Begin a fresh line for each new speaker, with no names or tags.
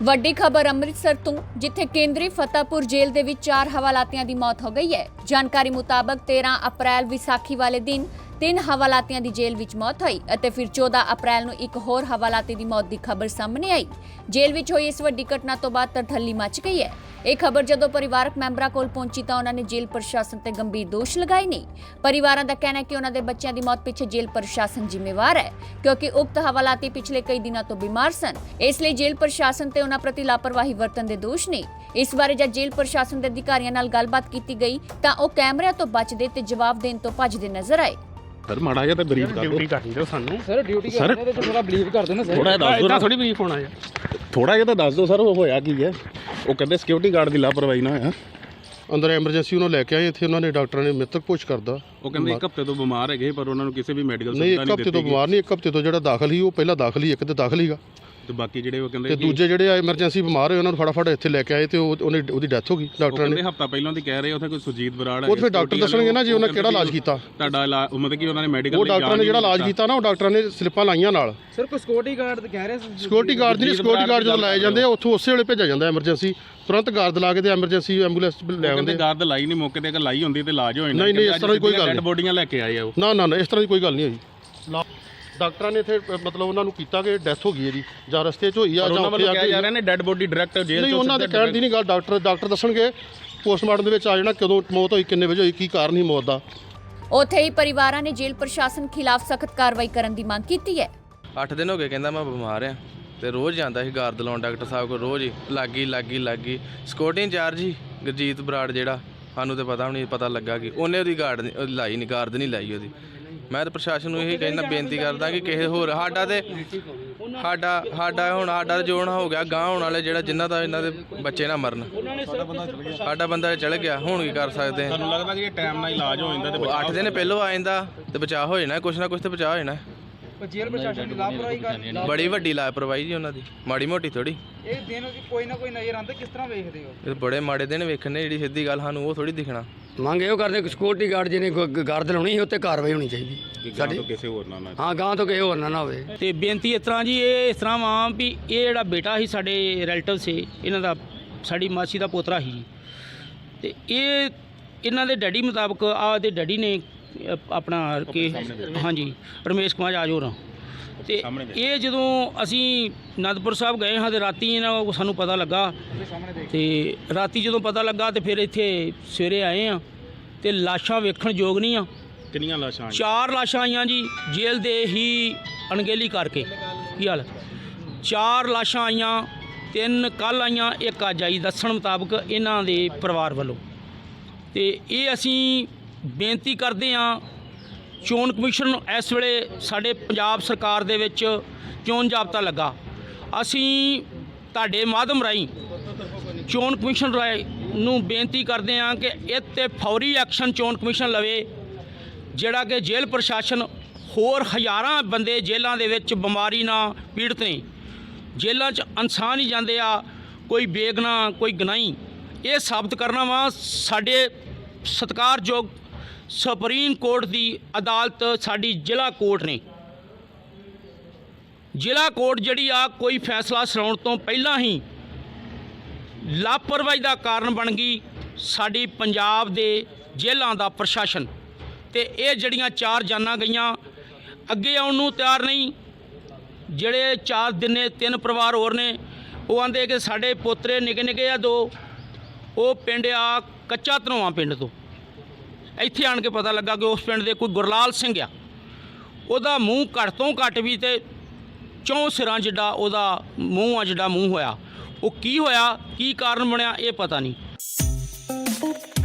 ਵੱਡੀ ਖਬਰ ਅੰਮ੍ਰਿਤਸਰ ਤੋਂ, ਜਿੱਥੇ ਕੇਂਦਰੀ ਫਤਿਹਪੁਰ ਜੇਲ੍ਹ ਦੇ ਵਿੱਚ 4 ਹਵਾਲਾਤੀਆਂ ਦੀ ਮੌਤ ਹੋ ਗਈ ਹੈ। ਜਾਣਕਾਰੀ ਮੁਤਾਬਕ 13 ਅਪ੍ਰੈਲ ਵਿਸਾਖੀ ਵਾਲੇ ਦਿਨ 3 ਹਵਾਲਾਤੀਆਂ ਦੀ ਜੇਲ੍ਹ ਵਿੱਚ ਮੌਤ ਹੋਈ ਅਤੇ ਫਿਰ 14 ਅਪ੍ਰੈਲ ਨੂੰ ਇੱਕ ਹੋਰ ਹਵਾਲਾਤੀ ਦੀ ਮੌਤ ਦੀ ਖਬਰ ਸਾਹਮਣੇ ਆਈ। ਜੇਲ੍ਹ ਵਿੱਚ ਹੋਈ ਇਸ ਵੱਡੀ ਘਟਨਾ ਤੋਂ ਬਾਅਦ ਤਰਥੱਲੀ ਮਚ ਗਈ ਹੈ। ਇਹ ਖਬਰ ਜਦੋਂ ਪਰਿਵਾਰਕ ਮੈਂਬਰਾਂ ਕੋਲ ਪਹੁੰਚੀ ਤਾਂ ਉਹਨਾਂ ਨੇ ਜੇਲ੍ਹ ਪ੍ਰਸ਼ਾਸਨ ਤੇ ਗੰਭੀਰ ਦੋਸ਼ ਲਗਾਏ ਨੇ। ਪਰਿਵਾਰਾਂ ਦਾ ਕਹਿਣਾ ਹੈ ਕਿ ਉਹਨਾਂ ਦੇ ਬੱਚਿਆਂ ਦੀ ਮੌਤ ਪਿੱਛੇ ਜੇਲ੍ਹ ਪ੍ਰਸ਼ਾਸਨ ਜ਼ਿੰਮੇਵਾਰ ਹੈ, ਕਿਉਂਕਿ ਉਕਤ ਹਵਾਲਾਤੀ ਪਿਛਲੇ ਕਈ ਦਿਨਾਂ ਤੋਂ ਬਿਮਾਰ ਸਨ। ਇਸ ਲਈ ਜੇਲ੍ਹ ਪ੍ਰਸ਼ਾਸਨ ਤੇ ਉਹਨਾਂ ਪ੍ਰਤੀ ਲਾਪਰਵਾਹੀ ਵਰਤਣ ਦੇ ਦੋਸ਼ ਨੇ। ਇਸ ਬਾਰੇ ਜਦ ਜੇਲ੍ਹ ਪ੍ਰਸ਼ਾਸਨ ਦੇ ਅਧਿਕਾਰੀਆਂ ਨਾਲ ਗੱਲਬਾਤ ਕੀਤੀ ਗਈ ਤਾਂ ਉਹ ਕੈਮਰਿਆਂ ਤੋਂ ਬਚਦੇ ਤੇ ਜਵਾਬ ਦੇਣ ਤੋਂ ਭੱਜਦੇ ਨਜ਼ਰ ਆਏ।
ਸਰ ਮਾੜਾ ਜਿਹਾ ਤਾਂ ਬਰੀਫ ਕਰ ਦਿਓ।
ਡਿਊਟੀ ਕਰਨੀ ਦਿਓ ਸਾਨੂੰ
ਸਰ ਡਿਊਟੀ
ਕਰਦੇ ਤੇ ਥੋੜਾ ਬਲੀਵ ਕਰ ਦਿਓ ਨਾ ਸਰ।
ਥੋੜਾ ਦੱਸ ਦਿਓ ਨਾ,
ਥੋੜੀ ਬਲੀਫ ਹੋਣਾ ਹੈ।
ਥੋੜਾ ਜਿਹਾ ਤਾਂ ਦੱਸ ਦਿਓ ਸਰ, ਉਹ ਹੋਇਆ ਕੀ ਹੈ? ਉਹ ਕਹਿੰਦੇ ਸਿਕਿਉਰਿਟੀ ਗਾਰਡ ਦੀ ਲਾਪਰਵਾਹੀ ਨਾ ਹੋਇਆ।
ਅੰਦਰ ਐਮਰਜੈਂਸੀ ਉਹਨਾਂ ਲੈ ਕੇ ਆਏ ਇੱਥੇ, ਉਹਨਾਂ ਨੇ ਡਾਕਟਰਾਂ ਨੇ ਮ੍ਰਿਤਕ ਪੁੱਛ ਕਰਦਾ।
ਉਹ ਕਹਿੰਦੇ 1 ਹਫ਼ਤੇ ਤੋਂ ਬਿਮਾਰ ਹੈਗੇ, ਪਰ ਉਹਨਾਂ ਨੂੰ ਕਿਸੇ ਵੀ ਮੈਡੀਕਲ
ਨਹੀਂ, 1 ਹਫ਼ਤੇ ਤੋਂ ਬਿਮਾਰ ਨਹੀਂ, 1 ਹਫ਼ਤੇ ਤੋਂ ਜਿਹੜਾ ਦਾਖਲ ਸੀ ਉਹ ਪਹਿਲਾਂ ਦਾਖਲ ਹੀ, ਇੱਕ ਤੇ ਦਾਖਲ ਹੀਗਾ
ਤੇ ਬਾਕੀ ਜਿਹੜੇ ਉਹ ਕਹਿੰਦੇ
ਤੇ ਦੂਜੇ ਜਿਹੜੇ ਐਮਰਜੈਂਸੀ ਬਿਮਾਰ ਹੋਏ ਉਹਨਾਂ ਨੂੰ ਫਟਾਫਟ ਇੱਥੇ ਲੈ ਕੇ ਆਏ ਤੇ ਉਹਦੀ ਡੈਥ ਹੋ ਗਈ। ਡਾਕਟਰਾਂ ਨੇ
ਹਫ਼ਤਾ ਪਹਿਲਾਂ ਦੀ ਕਹਿ ਰਹੇ ਉੱਥੇ ਕੋਈ ਸੁਰਜੀਤ ਬਰਾੜ ਹੈ।
ਉਹ ਫਿਰ ਡਾਕਟਰ ਦੱਸਣਗੇ ਨਾ ਜੀ ਉਹਨਾਂ ਕਿਹੜਾ ਇਲਾਜ ਕੀਤਾ।
ਤੁਹਾਡਾ ਇਲਾਜ ਮਤਲਬ ਕਿ ਉਹਨਾਂ ਨੇ ਮੈਡੀਕਲ
ਉਹ ਡਾਕਟਰਾਂ ਨੇ ਜਿਹੜਾ ਇਲਾਜ ਕੀਤਾ ਨਾ, ਉਹ ਡਾਕਟਰਾਂ ਨੇ ਸਲਿੱਪਾਂ ਲਾਈਆਂ ਨਾਲ।
ਸਰ ਕੋਈ ਸਿਕਿਉਰਿਟੀ ਗਾਰਡ ਕਹਿ ਰਹੇ ਸੀ।
ਸਿਕਿਉਰਿਟੀ ਗਾਰਡ ਨਹੀਂ, ਸਿਕਿਉਰਿਟੀ ਗਾਰਡ ਜਦੋਂ ਲਾਏ ਜਾਂਦੇ ਆ ਉੱਥੋਂ ਉਸੇ ਵੇਲੇ ਭੇਜਿਆ ਜਾਂਦਾ ਐਮਰਜੈਂਸੀ, ਤੁਰੰਤ ਗਾਰਡ ਲਾ ਕੇ ਤੇ ਐਮਰਜੈਂਸੀ ਐਂਬੂਲੈਂਸ ਲੈ ਆਉਂਦੇ।
ਗਾਰਡ ਲਾਈ ਨਹੀਂ ਮੌਕੇ ਤੇ, ਅਗਰ ਲਾਈ ਹੁੰਦੀ ਤੇ ਇਲਾਜ ਹੋ ਜਾਣਾ।
ਨਹੀਂ ਨਹੀਂ, ਇਸ ਤਰ੍ਹਾਂ ਦੀ ਕੋਈ ਗੱਲ ਨਹੀਂ।
ਡੈਡ ਬੋਡੀਆਂ ਲੈ ਕੇ ਆਏ ਆ ਉਹ।
ਨਾ ਇਸ ਤਰ੍ਹਾਂ ਦੀ ਕੋਈ ਗੱਲ ਨਹੀਂ ਹੋਈ। ਡਾਕਟਰਾਂ ਨੇ ਇੱਥੇ ਮਤਲਬ ਉਹਨਾਂ ਨੂੰ ਕੀਤਾ ਕਿ ਡੈਥ ਹੋ ਗਈ ਇਹਦੀ, ਜਾਂ ਰਸਤੇ 'ਚ ਹੋਈ ਆ ਜਾਂ ਉੱਥੇ ਆ ਕੇ
ਜਾ ਰਹੇ ਨੇ ਡੈਡ ਬੋਡੀ ਡਾਇਰੈਕਟ ਜੇਲ੍ਹ
ਨਹੀਂ, ਉਹਨਾਂ ਦੇ ਕਹਿਣ ਦੀ ਨਹੀਂ ਗੱਲ। ਡਾਕਟਰ ਦੱਸਣਗੇ ਪੋਸਟਮਾਰਟਮ ਦੇ ਵਿੱਚ ਆ ਜਾਣਾ ਕਦੋਂ ਮੌਤ ਹੋਈ, ਕਿੰਨੇ ਵਜੇ ਹੋਈ, ਕੀ ਕਾਰਨ ਸੀ ਮੌਤ ਦਾ।
ਉੱਥੇ ਹੀ ਪਰਿਵਾਰਾਂ ਨੇ ਜੇਲ੍ਹ ਪ੍ਰਸ਼ਾਸਨ ਖਿਲਾਫ ਸਖਤ ਕਾਰਵਾਈ ਕਰਨ ਦੀ ਮੰਗ ਕੀਤੀ ਹੈ।
8 ਦਿਨ ਹੋ ਗਏ ਕਹਿੰਦਾ ਮੈਂ ਬਿਮਾਰ ਆ ਤੇ ਰੋਜ਼ ਜਾਂਦਾ ਸੀ ਗਾਰਦ ਲਾਉਣ ਡਾਕਟਰ ਸਾਹਿਬ ਕੋਲ, ਰੋਜ਼ ਹੀ ਲੱਗੀ ਸਿਕਿਉਰਿਟੀ ਇੰਚਾਰਜ ਸੀ ਗੁਰਜੀਤ ਬਰਾੜ, ਜਿਹੜਾ ਸਾਨੂੰ ਤਾਂ ਪਤਾ ਵੀ ਨਹੀਂ ਪਤਾ ਲੱਗਾ ਕਿ ਉਹਨੇ ਉਹਦੀ ਲਾਈ ਨਹੀਂ, ਗਾਰਦ ਨਹੀਂ ਲਾਈ ਉਹਦੀ। ਮੈਂ ਤਾਂ ਪ੍ਰਸ਼ਾਸਨ ਨੂੰ ਇਹੀ ਕਹਿੰਦਾ, ਬੇਨਤੀ ਕਰਦਾ ਕਿ ਕਿਸੇ ਹੋਰ ਸਾਡਾ ਹੁਣ ਜੋੜਨਾ ਹੋ ਗਿਆ ਗਾਂਹ ਹੋਣ ਵਾਲੇ, ਜਿਹੜਾ ਜਿਨ੍ਹਾਂ ਦਾ ਇਹਨਾਂ ਦੇ ਬੱਚੇ ਨਾ ਮਰਨ। ਸਾਡਾ ਬੰਦਾ ਚਲ ਗਿਆ, ਹੁਣ ਕੀ ਕਰ ਸਕਦੇ ਹਾਂ।
ਤੁਹਾਨੂੰ ਲੱਗਦਾ ਕਿ ਟਾਈਮ ਨਾਲ ਇਲਾਜ ਹੋ ਜਾਂਦਾ ਤੇ
8 ਦਿਨ ਪਹਿਲੋਂ ਆ ਜਾਂਦਾ ਤੇ ਬਚਾਅ ਹੋ ਜਾਣਾ, ਕੁਛ ਨਾ ਕੁਛ ਤੇ ਬਚਾਅ ਹੋ ਜਾਣਾ।
ਜੇਲ੍ਹ ਪ੍ਰਸ਼ਾਸਨ ਦੀ ਲਾਪਰਵਾਹੀ
ਬੜੀ ਵੱਡੀ ਲਾਪਰਵਾਹੀ ਜੀ ਉਹਨਾਂ ਦੀ, ਮਾੜੀ ਮੋਟੀ ਥੋੜੀ।
ਇਹ ਦਿਨ ਕੋਈ ਨਾ ਕੋਈ ਨਜ਼ਰ ਆਉਂਦਾ, ਕਿਸ ਤਰ੍ਹਾਂ ਵੇਖਦੇ ਹੋ?
ਇਹ ਬੜੇ ਮਾੜੇ ਦਿਨ ਵੇਖਣੇ, ਜਿਹੜੀ ਸਿੱਧੀ ਗੱਲ ਸਾਨੂੰ ਉਹ ਥੋੜੀ ਦਿਖਣਾ।
ਮੰਗ ਇਹੋ ਕਰਦੇ ਕਿ ਸਿਕਿਉਰਿਟੀ ਗਾਰਡ ਜਿਹਨੇ ਗਾਰਡ ਲਾਉਣੀ ਸੀ ਉੱਤੇ ਕਾਰਵਾਈ ਹੋਣੀ ਚਾਹੀਦੀ ਸਾਡੀ।
ਕਿਸੇ ਹੋਰ ਨਾਲ
ਹਾਂ, ਗਾਂ ਤੋਂ ਕਿਸੇ ਹੋਰ ਨਾ ਹੋਵੇ।
ਤੇ ਬੇਨਤੀ ਇਸ ਤਰ੍ਹਾਂ ਜੀ, ਇਹ ਇਸ ਤਰ੍ਹਾਂ ਵਾ ਵੀ ਇਹ ਜਿਹੜਾ ਬੇਟਾ ਸੀ ਸਾਡੇ ਰਿਲੇਟਿਵ ਸੀ, ਇਹਨਾਂ ਦਾ ਸਾਡੀ ਮਾਸੀ ਦਾ ਪੋਤਰਾ ਸੀ ਜੀ, ਤੇ ਇਹਨਾਂ ਦੇ ਡੈਡੀ ਮੁਤਾਬਕ ਦੇ ਡੈਡੀ ਨੇ ਆਪਣਾ ਕਿ ਹਾਂਜੀ ਰਮੇਸ਼ ਕੁਮਾਰ ਆਜੋਰ, ਤੇ ਇਹ ਜਦੋਂ ਅਸੀਂ ਅਨੰਦਪੁਰ ਸਾਹਿਬ ਗਏ ਹਾਂ ਤੇ ਰਾਤੀ ਇਹਨਾਂ ਸਾਨੂੰ ਪਤਾ ਲੱਗਾ, ਤੇ ਰਾਤੀ ਜਦੋਂ ਪਤਾ ਲੱਗਾ ਤੇ ਫਿਰ ਇੱਥੇ ਸਵੇਰੇ ਆਏ ਆ ਤੇ ਲਾਸ਼ਾਂ ਵੇਖਣ ਯੋਗ ਨਹੀਂ ਆ।
ਕਿੰਨੀਆਂ ਲਾਸ਼ਾਂ?
4 ਲਾਸ਼ਾਂ ਆਈਆਂ ਜੀ ਜੇਲ੍ਹ ਦੇ ਹੀ ਅਣਗਹਿਲੀ ਕਰਕੇ। ਕੀ ਹਾਲ? 4 ਲਾਸ਼ਾਂ ਆਈਆਂ, 3 ਕੱਲ੍ਹ ਆਈਆਂ, 1 ਅੱਜ ਆਈ, ਦੱਸਣ ਮੁਤਾਬਕ ਇਹਨਾਂ ਦੇ ਪਰਿਵਾਰ ਵੱਲੋਂ। ਤੇ ਇਹ ਅਸੀਂ ਬੇਨਤੀ ਕਰਦੇ ਹਾਂ ਚੋਣ ਕਮਿਸ਼ਨ ਨੂੰ, ਇਸ ਵੇਲੇ ਸਾਡੇ ਪੰਜਾਬ ਸਰਕਾਰ ਦੇ ਵਿੱਚ ਚੋਣ ਜ਼ਾਬਤਾ ਲੱਗਾ, ਅਸੀਂ ਤੁਹਾਡੇ ਮਾਧਿਅਮ ਰਾਹੀਂ ਚੋਣ ਕਮਿਸ਼ਨ ਨੂੰ ਬੇਨਤੀ ਕਰਦੇ ਹਾਂ ਕਿ ਇਹ 'ਤੇ ਫੌਰੀ ਐਕਸ਼ਨ ਚੋਣ ਕਮਿਸ਼ਨ ਲਵੇ, ਜਿਹੜਾ ਕਿ ਜੇਲ੍ਹ ਪ੍ਰਸ਼ਾਸਨ ਹੋਰ ਹਜ਼ਾਰਾਂ ਬੰਦੇ ਜੇਲ੍ਹਾਂ ਦੇ ਵਿੱਚ ਬਿਮਾਰੀ ਨਾਲ ਪੀੜਤ ਨੇ, ਜੇਲ੍ਹਾਂ 'ਚ ਇਨਸਾਨ ਹੀ ਜਾਂਦੇ ਆ, ਕੋਈ ਬੇਗੁਨਾਹ ਕੋਈ ਗੁਨਾਹੀ। ਇਹ ਸਾਬਤ ਕਰਨਾ ਵਾ ਸਾਡੇ ਸਤਿਕਾਰਯੋਗ ਸੁਪਰੀਮ ਕੋਰਟ ਦੀ ਅਦਾਲਤ, ਸਾਡੀ ਜ਼ਿਲ੍ਹਾ ਕੋਰਟ ਨੇ। ਜ਼ਿਲ੍ਹਾ ਕੋਰਟ ਜਿਹੜੀ ਆ ਕੋਈ ਫੈਸਲਾ ਸੁਣਾਉਣ ਤੋਂ ਪਹਿਲਾਂ ਹੀ ਲਾਪਰਵਾਹੀ ਦਾ ਕਾਰਨ ਬਣ ਗਈ ਸਾਡੀ ਪੰਜਾਬ ਦੇ ਜੇਲ੍ਹਾਂ ਦਾ ਪ੍ਰਸ਼ਾਸਨ। ਤੇ ਇਹ ਜਿਹੜੀਆਂ 4 ਜਾਨਾਂ ਗਈਆਂ, ਅੱਗੇ ਆਉਣ ਨੂੰ ਤਿਆਰ ਨਹੀਂ। ਜਿਹੜੇ 4 ਦਿਨੇ 3 ਪਰਿਵਾਰ ਹੋਰ ਨੇ, ਉਹ ਆਂਦੇ ਕਿ ਸਾਡੇ ਪੋਤਰੇ ਨਿੱਕੇ ਆ 2, ਉਹ ਪਿੰਡ ਆ ਕੱਚਾ ਧਨੋਆ ਪਿੰਡ ਤੋਂ। ਇੱਥੇ ਆਣ ਕੇ ਪਤਾ ਲੱਗਾ ਕਿ ਉਸ ਪਿੰਡ ਦੇ ਕੋਈ ਗੁਰਲਾਲ ਸਿੰਘ ਆ, ਉਹਦਾ ਮੂੰਹ ਘੱਟ ਤੋਂ ਘੱਟ ਵੀ ਤੇ 4 ਸਿਰਾਂ ਜਿੱਡਾ ਉਹਦਾ ਮੂੰਹ ਆ, ਜਿਹੜਾ ਮੂੰਹ ਹੋਇਆ। ਉਹ ਕੀ ਹੋਇਆ, ਕੀ ਕਾਰਨ ਬਣਿਆ, ਇਹ ਪਤਾ ਨਹੀਂ।